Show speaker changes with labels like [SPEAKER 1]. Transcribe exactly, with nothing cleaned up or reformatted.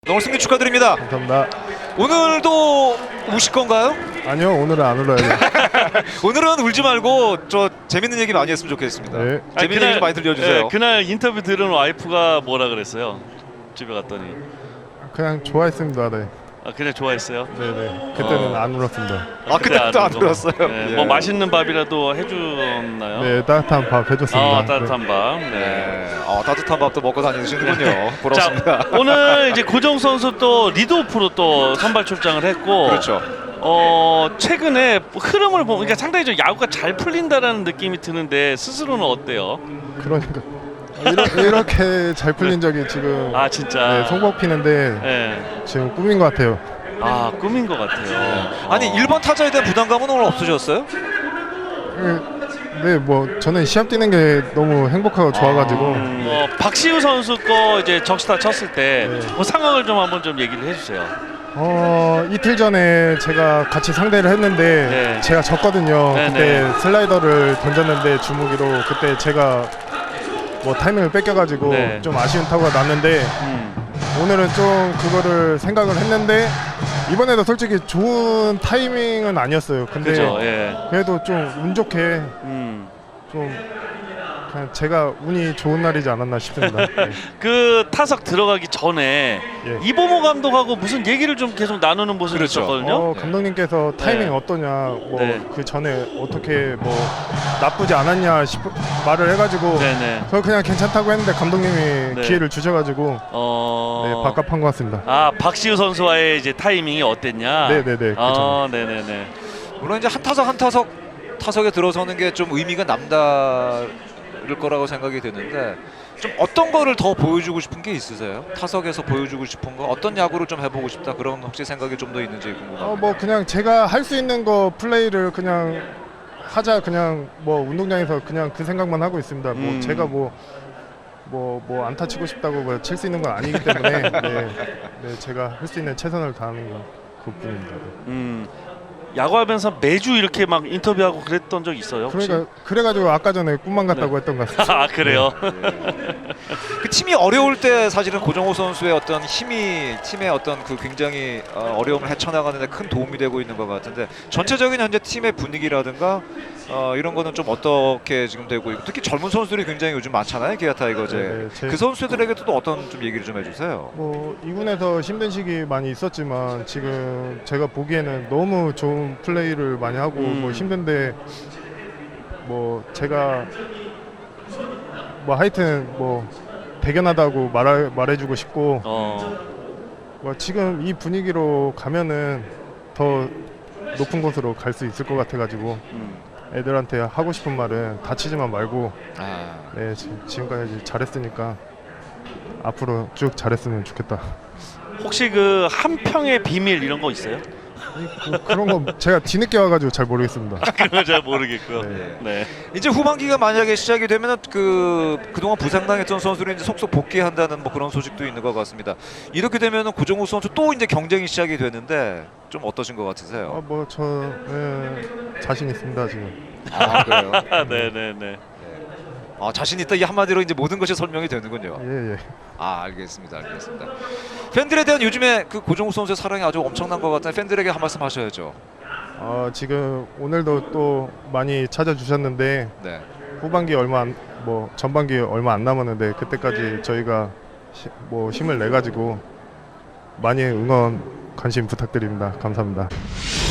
[SPEAKER 1] 오늘 승리 축하드립니다.
[SPEAKER 2] 감사합니다.
[SPEAKER 1] 오늘도 우실 건가요?
[SPEAKER 2] 아니요, 오늘은 안 울어요.
[SPEAKER 1] 오늘은 울지 말고 저 재밌는 얘기 많이 했으면 좋겠습니다.
[SPEAKER 2] 네.
[SPEAKER 1] 재밌는
[SPEAKER 3] 아니,
[SPEAKER 1] 얘기
[SPEAKER 3] 그날-
[SPEAKER 1] 좀 많이 들려주세요.
[SPEAKER 3] 네, 그날 인터뷰 들은 와이프가 뭐라 그랬어요? 집에 갔더니
[SPEAKER 2] 그냥 좋아했습니다. 네.
[SPEAKER 3] 아, 그냥 좋아했어요.
[SPEAKER 2] 네네. 그때는
[SPEAKER 3] 어.
[SPEAKER 2] 안 울었습니다.
[SPEAKER 1] 아 그때도 안
[SPEAKER 3] 울고.
[SPEAKER 1] 들었어요.
[SPEAKER 3] 네,
[SPEAKER 1] 예.
[SPEAKER 3] 뭐 맛있는 밥이라도 해줬나요?
[SPEAKER 2] 네, 따뜻한 밥 해줬습니다.
[SPEAKER 3] 아, 따뜻한 밥. 네.
[SPEAKER 1] 네. 어, 따뜻한 밥도 먹고 다니시는군요. 부럽습니다.
[SPEAKER 3] 자, 오늘 이제 고정 선수 또 리드오프로 또 선발 출장을 했고,
[SPEAKER 1] 그렇죠.
[SPEAKER 3] 어 최근에 흐름을 보면 그러니까 상당히 좀 야구가 잘 풀린다라는 느낌이 드는데 스스로는 어때요?
[SPEAKER 2] 네. 그러니까 이러, 이렇게 잘 풀린 적이 지금
[SPEAKER 3] 아 진짜.
[SPEAKER 2] 네, 손목 피는데
[SPEAKER 3] 네.
[SPEAKER 2] 지금 꿈인 것 같아요.
[SPEAKER 3] 아 꿈인 것 같아요.
[SPEAKER 1] 아니
[SPEAKER 3] 어.
[SPEAKER 1] 일 번 타자에 대한 부담감은 오늘 없으셨어요?
[SPEAKER 2] 네, 뭐 저는 시합 뛰는 게 너무 행복하고 좋아가지고
[SPEAKER 3] 음, 어, 박시우 선수 거 이제 적시타 쳤을 때 그
[SPEAKER 2] 네.
[SPEAKER 3] 상황을 좀 한번 좀 얘기를 해주세요.
[SPEAKER 2] 어 이틀 전에 제가 같이 상대를 했는데
[SPEAKER 3] 네.
[SPEAKER 2] 제가 졌거든요.
[SPEAKER 3] 네,
[SPEAKER 2] 그때
[SPEAKER 3] 네.
[SPEAKER 2] 슬라이더를 던졌는데 주무기로 그때 제가 뭐 타이밍을 뺏겨가지고
[SPEAKER 3] 네.
[SPEAKER 2] 좀 아쉬운 타구가 났는데
[SPEAKER 3] 음.
[SPEAKER 2] 오늘은 좀 그거를 생각을 했는데 이번에도 솔직히 좋은 타이밍은 아니었어요. 근데
[SPEAKER 3] 그죠. 예.
[SPEAKER 2] 그래도 좀 운 좋게
[SPEAKER 3] 음.
[SPEAKER 2] 좀 그냥 제가 운이 좋은 날이지 않았나 싶습니다. 네.
[SPEAKER 3] 그 타석 들어가기 전에
[SPEAKER 2] 예.
[SPEAKER 3] 이보모 감독하고 무슨 얘기를 좀 계속 나누는 모습이
[SPEAKER 1] 그렇죠.
[SPEAKER 3] 있었거든요.
[SPEAKER 2] 어, 감독님께서 타이밍
[SPEAKER 3] 네.
[SPEAKER 2] 어떠냐, 뭐 그
[SPEAKER 3] 네.
[SPEAKER 2] 전에 어떻게 뭐 나쁘지 않았냐 싶 말을 해가지고
[SPEAKER 3] 네네.
[SPEAKER 2] 저 그냥 괜찮다고 했는데 감독님이
[SPEAKER 3] 네.
[SPEAKER 2] 기회를 주셔가지고
[SPEAKER 3] 어.
[SPEAKER 2] 네, 바깥한 것 같습니다.
[SPEAKER 3] 아 박시우 선수와의 이제 타이밍이 어땠냐?
[SPEAKER 2] 네네네.
[SPEAKER 3] 아 네네네.
[SPEAKER 1] 물론 이제 한 타석 한 타석 타석에 들어서는 게 좀 의미가 남다를 거라고 생각이 드는데 좀 어떤 거를 더 보여주고 싶은 게 있으세요? 타석에서 보여주고 싶은 거 어떤 야구를 좀 해보고 싶다 그런 혹시 생각이 좀 더 있는지 궁금합니다.
[SPEAKER 2] 어, 뭐 그냥 제가 할 수 있는 거 플레이를 그냥 하자 그냥 뭐 운동장에서 그냥 그 생각만 하고 있습니다. 뭐
[SPEAKER 3] 음.
[SPEAKER 2] 제가 뭐 뭐 뭐 안타 치고 싶다고 뭐 칠 수 있는 건 아니기 때문에 네, 네 제가 할 수 있는 최선을 다하는 건 그뿐입니다. 네.
[SPEAKER 3] 음. 야구하면서 매주 이렇게 막 인터뷰하고 그랬던 적 있어요? 혹시?
[SPEAKER 2] 그러니까 그래가지고 아까 전에 꿈만 같다고 했던 것 같습니다.
[SPEAKER 3] 아 그래요?
[SPEAKER 1] 그 팀이 어려울 때 사실은 고정호 선수의 어떤 힘이 팀의 어떤 그 굉장히 어, 어려움을 헤쳐나가는 데 큰 도움이 되고 있는 것 같은데 전체적인 현재 팀의 분위기라든가 어, 이런 거는 좀 어떻게 지금 되고 있고 특히 젊은 선수들이 굉장히 요즘 많잖아요. 기아 타이거즈.
[SPEAKER 2] 네, 네, 제-
[SPEAKER 1] 그 선수들에게도 또 어떤 좀 얘기를 좀 해주세요.
[SPEAKER 2] 뭐 이 군에서 힘든 시기 많이 있었지만 지금 제가 보기에는 너무 좋은 플레이를 많이 하고
[SPEAKER 3] 음.
[SPEAKER 2] 뭐 힘든데 뭐 제가 뭐 하여튼 뭐 대견하다고 말해 말해주고 싶고
[SPEAKER 3] 어.
[SPEAKER 2] 뭐 지금 이 분위기로 가면은 더 높은 곳으로 갈 수 있을 것 같아가지고
[SPEAKER 3] 음.
[SPEAKER 2] 애들한테 하고 싶은 말은 다치지만 말고
[SPEAKER 1] 아,
[SPEAKER 2] 네 지- 지금까지 잘했으니까 앞으로 쭉 잘했으면 좋겠다.
[SPEAKER 3] 혹시 그 한평의 비밀 이런 거 있어요?
[SPEAKER 2] 그, 그런 거 제가 뒤늦게 와가지고 잘 모르겠습니다.
[SPEAKER 3] 그건 잘 모르겠고요.
[SPEAKER 2] 네.
[SPEAKER 3] 네.
[SPEAKER 1] 이제 후반기가 만약에 시작이 되면은 그 그동안 부상당했던 선수들이 이제 속속 복귀한다는 뭐 그런 소식도 있는 것 같습니다. 이렇게 되면은 고정호 선수 또 이제 경쟁이 시작이 되는데 좀 어떠신 것 같으세요?
[SPEAKER 2] 아, 뭐저 네, 자신 있습니다 지금.
[SPEAKER 1] 아 그래요.
[SPEAKER 3] 아, 네네네.
[SPEAKER 1] 아 자신 있다 이 한마디로 이제 모든 것이 설명이 되는군요.
[SPEAKER 2] 예 예.
[SPEAKER 1] 아 알겠습니다, 알겠습니다. 팬들에 대한 요즘에 그 고정호 선수의 사랑이 아주 엄청난 것 같아요. 팬들에게 한 말씀 하셔야죠.
[SPEAKER 2] 어, 지금 오늘도 또 많이 찾아주셨는데
[SPEAKER 1] 네.
[SPEAKER 2] 후반기 얼마 안, 뭐 전반기 얼마 안 남았는데 그때까지 저희가 시, 뭐 힘을 내 가지고 많이 응원 관심 부탁드립니다. 감사합니다.